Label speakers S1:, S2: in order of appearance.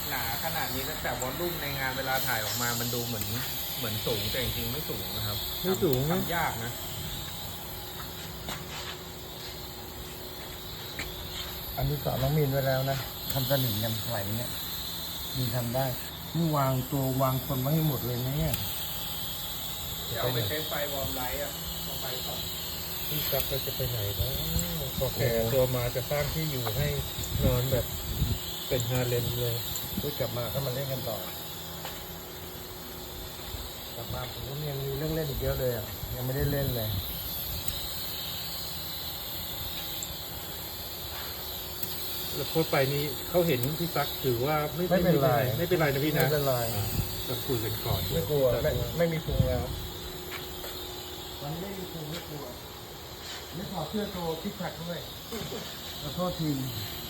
S1: หนาขนาดนี้แต่วอลลุ่มในงานเวลาถ่ายออกมามันดูเหมือนสูงแต่จริงๆไม่สูงนะครับ
S2: ไม่สูงนะ
S1: ทำยากนะ
S2: อันนี้สอนน้องมีนไว้แล้วนะทำสนิมยำไหลเนี่ยมีทำได้นี่วางตัววางคนไว้ให้หมดเลยนะเนี่ย
S1: จะเอาไปใช้ไฟวอร์มไลท์อ่ะเอาไฟส่อง
S2: พี่กั๊บเราจะไปไหนนะพอแก่ตัวมาจะสร้างที่อยู่ให้นอนแบบเป็นฮาเลมเลยพูดกลับมาก็มาเล่นกันต่อกลับมาผมก็ยังมีเรื่องเล่นอีกเยอะเลยอ่ะยังไม่ได้เล่นเลย
S3: แล้วโพสต์ไปนี่เขาเห็นพี่ตั๊กถือว่าไม่
S2: ไม่เป็นไร
S3: ไม่เป็นไรนะพี่นะ
S2: ไม่เป็นไร
S3: จะคุยกันก่อน
S2: ไม่กลัวไม่มีพุงแล้ววันนี้ไม่มีพุงไม่กลัวไม่ถอดเสื้อโชว์คิกแพคด้วยขอโทษที